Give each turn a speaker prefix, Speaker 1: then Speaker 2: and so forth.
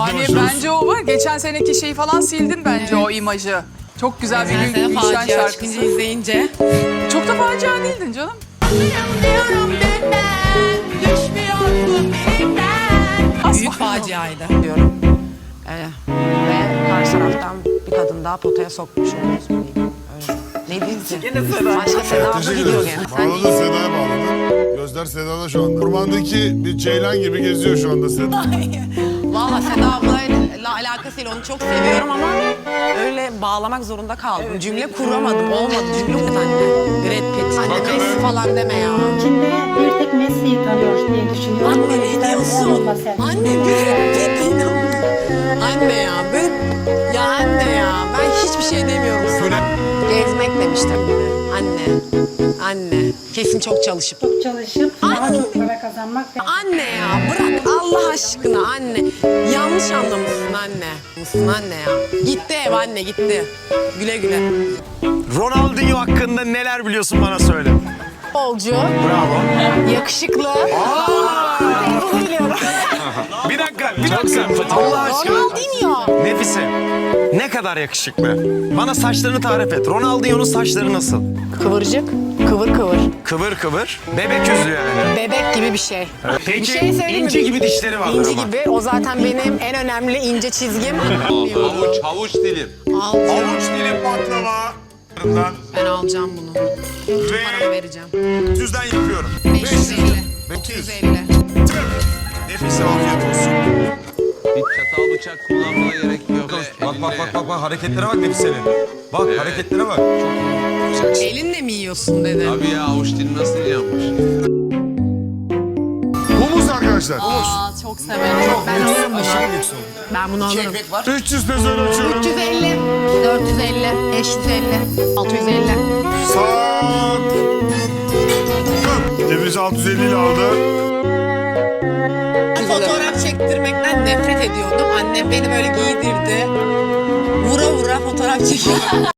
Speaker 1: Yani bence o var. Geçen seneki şeyi falan sildin bence o imajı. Çok güzel bir
Speaker 2: Sen
Speaker 1: Gülşen
Speaker 2: facia
Speaker 1: şarkısı.
Speaker 2: çıkınca izleyince.
Speaker 1: Çok da facia değildin canım.
Speaker 2: Büyük faciaydı.
Speaker 3: diyorum. Ve karşı taraftan bir kadın daha potaya sokmuş oluyoruz mu diyeyim. Öyle. Ne diyeyim ki? Başka Seda abla gidiyor gene.
Speaker 4: Bağladın Seda'ya bağladın. Gözler Seda'da şu anda. Ormandaki bir ceylan gibi geziyor şu anda Seda.
Speaker 3: Valla Seda ablayla alakasıyla onu çok seviyorum ama öyle bağlamak zorunda kaldım. Cümle kuramadım. Olmadı. Cümle kuramadım anne. Brad Pitt. Anne Messi falan deme ya.
Speaker 5: İçinde bir tek Messi'yi tanıyoruz diye düşünüyorum.
Speaker 3: Anne ne diyorsun? Anne Brad Pitt inanmıyorum. Anne ya böyle... Ya anne ya ben hiçbir şey demiyorum sana. Gezmek demiştim. Anne. Anne. Kesin çok çalışıp.
Speaker 5: Çok çalışıp daha çok para kazanmak ve
Speaker 3: Anne ya bırak Allah aşkına anne. Yanlış anlamışsın anne. Mısın anne ya. Gitti ev anne gitti. Güle güle.
Speaker 6: Ronaldinho hakkında neler biliyorsun bana söyle.
Speaker 3: Futbolcu,
Speaker 6: Bravo.
Speaker 3: yakışıklı.
Speaker 6: Bir dakika. Allah aşkına.
Speaker 3: Ronaldinho.
Speaker 6: Nefise, ne kadar yakışıklı. Bana saçlarını tarif et. Ronaldinho'nun saçları nasıl?
Speaker 3: Kıvırcık, kıvır kıvır.
Speaker 6: Kıvır kıvır. Bebek yüzlü yani.
Speaker 3: Bebek gibi bir şey.
Speaker 6: Peki
Speaker 3: Bir şey söyleyeyim mi?
Speaker 6: ince gibi dişleri vardır
Speaker 3: İnci
Speaker 6: ama.
Speaker 3: gibi. O zaten benim en önemli ince çizgim.
Speaker 7: Havuç dilim.
Speaker 3: Alacağım.
Speaker 4: Avuç dilim baklava.
Speaker 3: Ben alacağım bunu. Bütün paramı vereceğim.
Speaker 4: 100'den yapıyorum.
Speaker 3: 550.
Speaker 4: 500.
Speaker 3: 250.
Speaker 4: Nefise afiyet olsun.
Speaker 7: Hiç çatal bıçak kullanmana gerek yok.
Speaker 8: Bak hareketlere bak Nefise'nin. Bak hareketlere bak.
Speaker 3: Elinle mi yiyorsun dedi.
Speaker 7: Abi ya havuç dilim nasıl yiyeceğimmiş?
Speaker 4: Humus arkadaşlar.
Speaker 3: Aa, çok severim. Ben alırım bunu. Ben bunu alırım.
Speaker 4: 300 peso açıyorum.
Speaker 3: 350, 450, 550, 650.
Speaker 4: Saat. Nefise 650 ile aldı.
Speaker 3: Fotoğraf çektirmekten nefret ediyordum. Annem beni böyle giydirdi. Vura vura fotoğraf çekiyor.